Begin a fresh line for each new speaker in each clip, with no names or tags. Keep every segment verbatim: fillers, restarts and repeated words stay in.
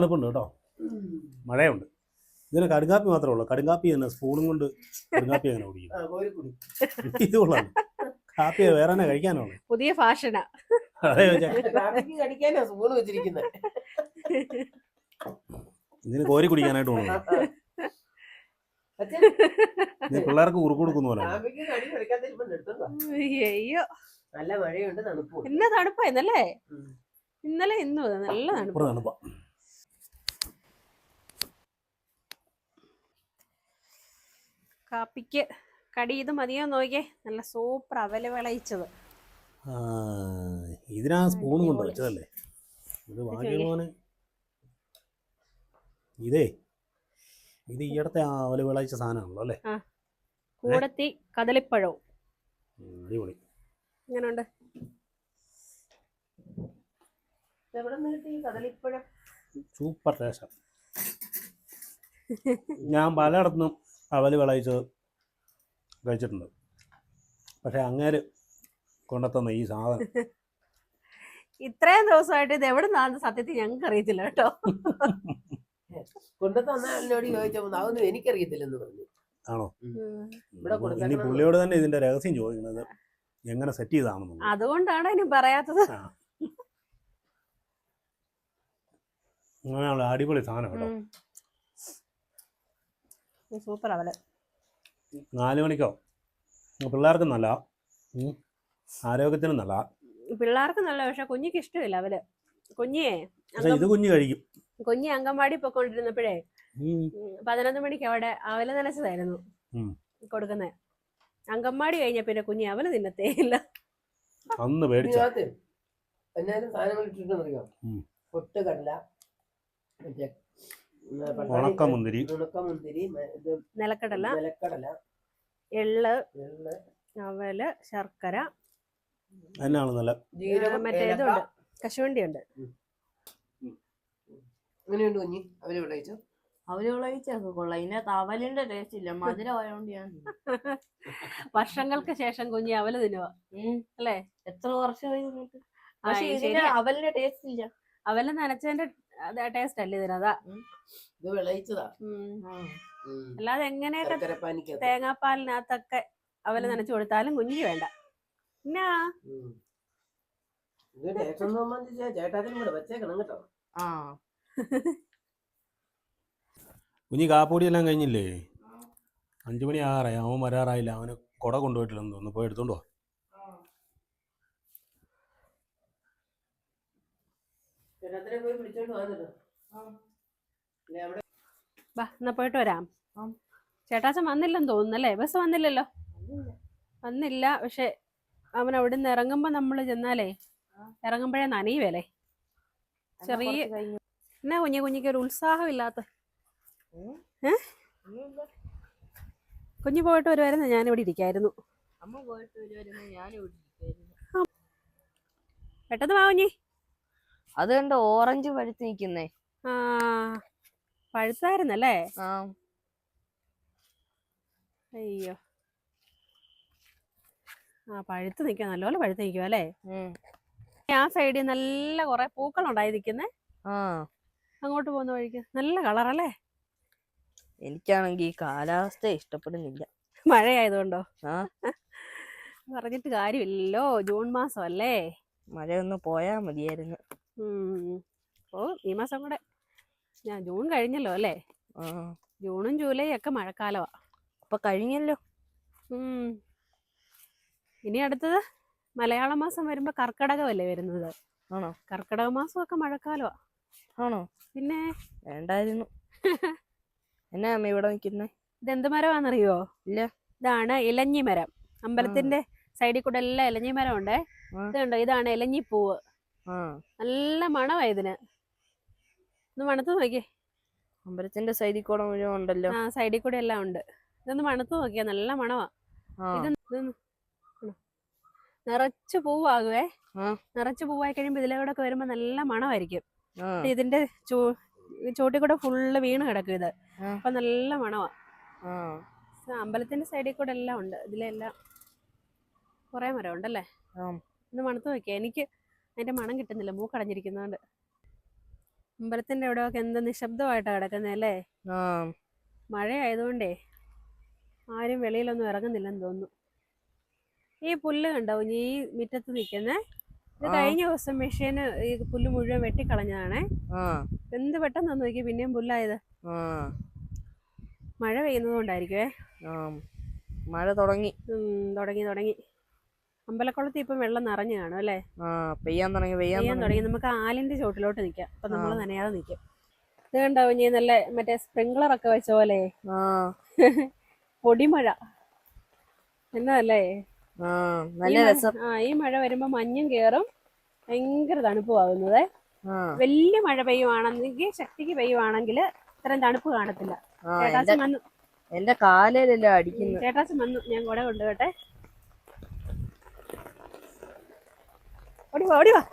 തണുപ്പുണ്ട് കേട്ടോ, മഴയുണ്ട്. ഇതിന് കടുങ്കാപ്പി മാത്രമേ ഉള്ളൂ. കടുങ്കാപ്പി തന്നെ സ്പൂണും കൊണ്ട് കടുങ്കാപ്പി അങ്ങനെ കുടിക്കും. ഇത് കൊള്ളാം. കാപ്പി വേറെ തന്നെ കഴിക്കാനാണ്.
പുതിയ ഫാഷനാ.
ഇതിന് കോരി കുടിക്കാനായിട്ട് തോന്നുന്നു. പിള്ളേർക്ക് കുറുക്ക് കൊടുക്കുന്ന പോലെ.
അയ്യോ
നല്ല മഴയുണ്ട്, തണുപ്പും.
ഇന്ന തണുപ്പായിരുന്നല്ലേ? ഇന്നലെ ഇന്നും നല്ല തണുപ്പ്.
തണുപ്പാ.
കാപ്പിക്ക് കടി ഇത് മതിയോ നോക്കിയേ. നല്ല സൂപ്പർ അവല് വിളയിച്ചത്.
ഇതിനാ സ്പൂൺ കൊണ്ട് വെച്ചതല്ലേ ഇത്. ഭാഗ്യമാണ് ഇതേ. ഇത് ഈയിടത്തെ അവല് വിളയിച്ച സാധനമാണല്ലോ അല്ലേ?
കൂടത്തി കദളിപ്പഴവും.
അടിപൊളി.
എങ്ങനെയുണ്ട്?
Super taste. ഞാൻ പലയിടത്തുനിന്നും അവല് വിളയിച്ചത് കഴിച്ചിട്ടുണ്ട്, പക്ഷെ അങ്ങേര് കൊണ്ടെത്തുന്ന ഈ സാധനം
ഇത്രയും ദിവസമായിട്ട് ഇത് എവിടെ നിന്നാണ് സത്യത്തിൽ ഞങ്ങൾക്ക് അറിയത്തില്ല കേട്ടോ.
കൊണ്ടുതന്നോട് ചോദിച്ചപ്പോൾ അതൊന്നും എനിക്കറിയത്തില്ലെന്ന് പറഞ്ഞു.
ആണോ? ഇനി പുള്ളിയോട് തന്നെ ഇതിന്റെ രഹസ്യം ചോദിക്കുന്നത്, എങ്ങനെ സെറ്റ് ചെയ്താണെന്ന്.
അതുകൊണ്ടാണ് ഇനി പറയാത്തത്.
അങ്ങനെയുള്ള അടിപൊളി സാധനം കേട്ടോ.
സൂപ്പർ അവല്.
നാല് മണിക്കോ പിള്ളേർക്ക് നല്ല, ആരോഗ്യത്തിനും നല്ല.
പിള്ളേർക്ക് നല്ല, പക്ഷെ കുഞ്ഞിക്ക് ഇഷ്ടമില്ല അവല്. കുഞ്ഞേ
ഇത് കുഞ്ഞ് കഴിക്കും.
കുഞ്ഞി അങ്കൻവാടി പൊക്കോണ്ടിരുന്നപ്പോഴേ പതിനൊന്ന് മണിക്ക് അവിടെ അവല് നനച്ചതായിരുന്നു കൊടുക്കുന്നത്. അങ്കൻവാടി കഴിഞ്ഞ പിന്നെ കുഞ്ഞി അവല് തിന്നത്തേ ഇല്ല.
അന്ന് പേടിച്ച
പൊട്ടുകടല,
ഉണക്കമുന്തിരി,
ഉണക്കമുന്തിരി,
നിലക്കടല,
നിലക്കടല,
എള്ള്, അവല്, ശർക്കര,
എന്നാണ് നല്ല
മറ്റേ ഇതുണ്ട്, കശുവണ്ടി ഉണ്ട്.
അങ്ങനെയുണ്ട് കുഞ്ഞി അവര് വിളയിച്ചു.
അവര് വിളയിച്ചൊക്കെ കൊള്ളാം. ഇതിനകത്ത് അവലിന്റെ ടേസ്റ്റ് ഇല്ല, മധുരം ആയതുകൊണ്ട് ഞാൻ.
വർഷങ്ങൾക്ക് ശേഷം കുഞ്ഞി അവല് തിന്നുക അല്ലേ?
എത്ര വർഷമായി. പക്ഷെ ഇതിന് അവലിന്റെ ടേസ്റ്റ് ഇല്ല.
അവല് നനച്ചതിന്റെ ടേസ്റ്റ് അല്ലേ ഇതിനതാ.
ഇത് വിളയിച്ചതാ.
അല്ലാതെ എങ്ങനെയൊക്കെ തേങ്ങാപ്പാലിനകത്തൊക്കെ അവല് നനച്ചു കൊടുത്താലും കുഞ്ഞിക്ക് വേണ്ട. എന്നാ
ചേട്ടാത്തിനും കൂടെ വെച്ചേക്കണം കേട്ടോ.
ആ
കുഞ്ഞി കാപ്പൊടി എല്ലാം കഴിഞ്ഞില്ലേ? അഞ്ചു മണി ആറായി, അവൻ വരാറായില്ല. അവന് കുട കൊണ്ടുപോയിട്ടില്ലെന്ന് തോന്നുന്നു. പോയി എടുത്തോണ്ടോ.
പോയി പിടിച്ചോണ്ട് വന്നിട്ടോ.
എന്നാ പോയിട്ട് വരാം. ചേട്ടാച്ചൻ വന്നില്ലെന്ന് തോന്നുന്നല്ലേ? ബസ് വന്നില്ലല്ലോ? വന്നില്ല. പക്ഷെ അവൻ അവിടെ നിന്ന് ഇറങ്ങുമ്പോ നമ്മള് ചെന്നാലേ ഇറങ്ങുമ്പോഴേ നനയുവല്ലേ. ചെറിയ എന്നാ കുഞ്ഞു കുഞ്ഞിക്ക് ഒരു ഉത്സാഹം ഇല്ലാത്ത. ഏ കുഞ്ഞു പോയിട്ട് വരുമായിരുന്നു, ഞാനിവിടെ ഇരിക്കായിരുന്നു. പെട്ടെന്ന് വാ കുഞ്ഞി.
അത് കണ്ട് ഓറഞ്ച് പഴുത്ത് നിൽക്കുന്നേ.
ആ പഴുത്തായിരുന്നല്ലേ?
ആ
അയ്യോ, ആ പഴുത്ത് നിൽക്കുക, നല്ലപോലെ പഴുത്ത് നിൽക്കുക അല്ലേ? ആ സൈഡിൽ നല്ല കുറെ പൂക്കളുണ്ടായി നിൽക്കുന്നേ.
ആ
അങ്ങോട്ട് പോകുന്ന വഴിക്ക് നല്ല കളറല്ലേ?
എനിക്കാണെങ്കിൽ ഈ കാലാവസ്ഥ ഇഷ്ടപ്പെടുന്നില്ല.
മഴയായതുകൊണ്ടോ?
ആ
പറഞ്ഞിട്ട് കാര്യമില്ലല്ലോ, ജൂൺ മാസം അല്ലേ?
മഴയൊന്ന് പോയാ മതിയായിരുന്നു.
ഓ ഈ മാസം കൂടെ, ഞാൻ ജൂൺ കഴിഞ്ഞല്ലോ അല്ലേ? ജൂണും ജൂലൈ ഒക്കെ മഴക്കാലമാ.
അപ്പൊ കഴിഞ്ഞല്ലോ.
ഇനി അടുത്തത് മലയാള മാസം വരുമ്പോ കർക്കിടകമല്ലേ വരുന്നത്?
ആണോ?
കർക്കിടക മാസമൊക്കെ മഴക്കാലമാ.
ആണോ?
പിന്നെ
വേണ്ടായിരുന്നു. എന്നാ അമ്മ ഇവിടെ നിൽക്കുന്നേ?
ഇതെന്ത് മരമാണെന്നറിയോ?
ഇല്ല.
ഇതാണ് ഇലഞ്ഞി മരം. അമ്പലത്തിന്റെ സൈഡിൽ കൂടെ എല്ലാം ഇലഞ്ഞി മരം ഉണ്ടേ. ഇതുണ്ടോ, ഇതാണ് ഇലഞ്ഞിപ്പൂവ്. നല്ല മണമാ ഇതിന്. ഒന്ന് മണത്ത് നോക്കിയേ.
അമ്പലത്തിന്റെ സൈഡിൽ കൂടെ മുഴുവൻ ഉണ്ടല്ലോ.
ആ സൈഡിൽ കൂടെ എല്ലാം ഉണ്ട്. ഇതൊന്ന് മണത്ത് നോക്കിയാ നല്ല മണമാ. ഇത് നിറച്ച് പൂവാകുവേ. നിറച്ച് പൂവായി കഴിയുമ്പോ ഇതിലൂടെ ഒക്കെ വരുമ്പോ നല്ല മണമായിരിക്കും. ഇതിന്റെ ചൂ ചോട്ടിൽ കൂടെ ഫുള്ള് വീണ് കിടക്കും ഇത്. അപ്പൊ നല്ല മണമാ. അമ്പലത്തിന്റെ സൈഡിൽ കൂടെ എല്ലാം ഉണ്ട്. ഇതിലെല്ലാം കുറെ മരം ഉണ്ടല്ലേ? ഒന്ന് മണത്ത് നോക്കിയാ. എനിക്ക് അതിന്റെ മണം കിട്ടുന്നില്ല, മൂക്കടഞ്ഞിരിക്കുന്നോണ്ട്. അമ്പലത്തിന്റെ അവിടെയൊക്കെ എന്ത് നിശബ്ദമായിട്ടാ കിടക്കുന്നേ അല്ലേ?
ആ
മഴ ആയതുകൊണ്ടേ ആരും വെളിയിലൊന്നും ഇറങ്ങുന്നില്ലെന്ന് തോന്നുന്നു. ഈ പുല്ല് കണ്ടോ കുഞ്ഞി, ഈ മുറ്റത്ത് നിൽക്കുന്നേ? ഇത്
ആ.
കഴിഞ്ഞ ദിവസം മെഷീന് ഈ പുല്ല് മുഴുവൻ വെട്ടിക്കളഞ്ഞതാണേ.
ആ
എന്ത് പെട്ടെന്ന് നോക്കി പിന്നെയും പുല്ലായത്.
ആ
മഴ പെയ്യുന്നത് കൊണ്ടായിരിക്കുവേ.
ആ മഴ തുടങ്ങി.
ഉം, തുടങ്ങി തുടങ്ങി. അമ്പലക്കുളത്തിൽ ഇപ്പം വെള്ളം നിറഞ്ഞു കാണും അല്ലേ?
ആ പെയ്യാൻ തുടങ്ങി പെയ്യാൻ
പെയ്യാൻ
തുടങ്ങി.
തുടങ്ങി. നമുക്ക് ആലിന്റെ ചോട്ടിലോട്ട് നിൽക്കാം. അപ്പൊ നമ്മൾ
ആ.
നനയാതെ നിൽക്കും. ഇത് കണ്ടോ കുഞ്ഞി, നല്ല മറ്റേ സ്പ്രിംഗ്ലർ ഒക്കെ വെച്ച പോലെ
ആ
പൊടിമഴ എന്നതല്ലേ?
ആ
ഈ
നല്ല
മഴ-
രസം.
ആ ഈ മഴ വരുമ്പോ മഞ്ഞും കേറും, ഭയങ്കര തണുപ്പും ആകുന്നത്.
ആ
വലിയ മഴ പെയ്യുവാണെങ്കിൽ, ശക്തിക്ക് പെയ്യുവാണെങ്കിൽ ഇത്രയും തണുപ്പ് കാണത്തില്ല.
ആ
ചേട്ടാച്ചൻ
എന്റെ
വന്നു.
എന്റെ കാലിലല്ലേ അടിക്കുന്നത്.
ചേട്ടാച്ചൻ വന്നു. ഞാൻ കൂടെ കൊണ്ടുപോട്ടെ. ഓടിവാ ഓടിവാ.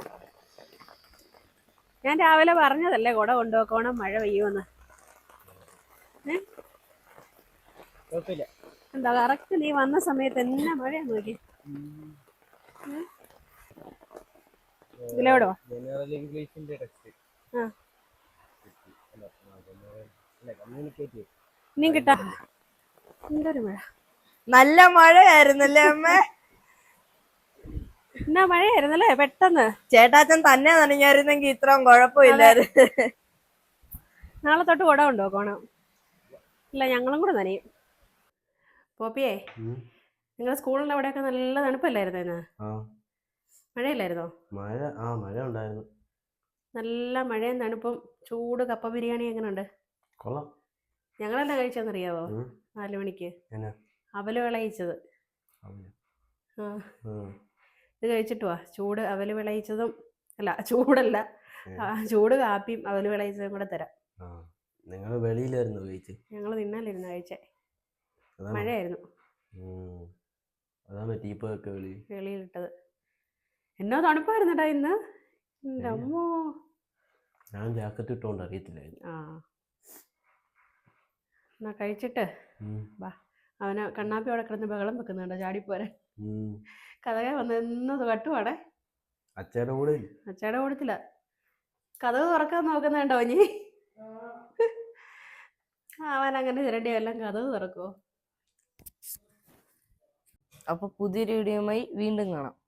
ഞാൻ രാവിലെ പറഞ്ഞതല്ലേ കുട കൊണ്ടുപോക്കോണം, മഴ പെയ്യുമെന്ന്. ഏ
കുഴപ്പമില്ല.
എന്താ കറക്റ്റ് നീ വന്ന സമയത്ത് എന്നാ മഴയാ നോക്കി. ഇതിലോടോ?
ജനറൽ ഇംഗ്ലീഷിന്റെ ടെക്സ്റ്റ്
ആ
അല്ല കമ്മ്യൂണിക്കേറ്റ്
ഇനിയും കിട്ടാ. എന്തൊരു മഴ.
നല്ല മഴയായിരുന്നല്ലേ അമ്മ?
എന്നാ മഴയായിരുന്നല്ലേ പെട്ടെന്ന്.
ചേട്ടാച്ചൻ തന്നെ നനഞ്ഞായിരുന്നെങ്കിൽ ഇത്രയും കുഴപ്പമില്ലായിരുന്നു.
നാളെ തൊട്ട് കുട കൊണ്ടുപോക്കോണം. ഇല്ല, ഞങ്ങളും കൂടെ നനയും. പോപ്പിയേ, നിങ്ങൾ സ്കൂളിൻ്റെ അവിടെയൊക്കെ നല്ല തണുപ്പല്ലായിരുന്നോ ഇന്ന്?
ആ
മഴയില്ലായിരുന്നോ?
മഴ ആ മഴ ഉണ്ടായിരുന്നു.
നല്ല മഴയും തണുപ്പും. ചൂട് കപ്പ ബിരിയാണി എങ്ങനെയുണ്ട്?
കൊള്ളാം.
ഞങ്ങളെന്നാ കഴിച്ചെന്നറിയാവോ?
ഉം.
നാല് മണിക്ക്
എന്നാ?
അവല് വിളയിച്ചത്.
അവല്.
ആ
ആ.
ഇത് കഴിച്ചിട്ട് വാ. ചൂട് അവല് വിളയിച്ചതും അല്ല, ചൂടല്ല, ആ, ചൂട് കാപ്പിയും അവല് വിളയിച്ചതും കൂടെ തരാം.
ആ നിങ്ങൾ വെളിയിലായിരുന്നു കഴിച്ച്?
ഞങ്ങൾ തിന്നാലിരുന്ന് കഴിച്ചേ.
അതാണോ?
മഴയായിരുന്നു.
ഉം. അതാണ് ടീപ്പൊക്കെ വെളി
വെളിയിലിട്ടത്. എന്നോ തണുപ്പായിരുന്നടാ ഇന്ന്. എൻ്റെ അമ്മോ.
ഞാൻ ജാക്കറ്റ് ഇട്ടുകൊണ്ട് അറിയത്തില്ലായിരുന്നു.
ആ എന്നാ കഴിച്ചിട്ട്
ഉം.
വാ. അവനെ കണ്ണാപ്പി അവിടെ കിടന്ന് ബഹളം വെക്കുന്നുണ്ടോ ചാടിപ്പോരെ?
ഉം.
കഥകെ വന്ന് എന്നത് കട്ടുവാടേ.
അച്ഛയുടെ കൂടെ ഇല്ലേ?
അച്ചയുടെ കൂടത്തില്ല. കഥക് തുറക്കാൻ നോക്കുന്നുണ്ടോ ഇനി? അവൻ അങ്ങനെ ചിരണ്ടി എല്ലാം കഥക് തുറക്കുവോ?
അപ്പൊ പുതിയൊരു വീഡിയോയുമായി വീണ്ടും കാണാം.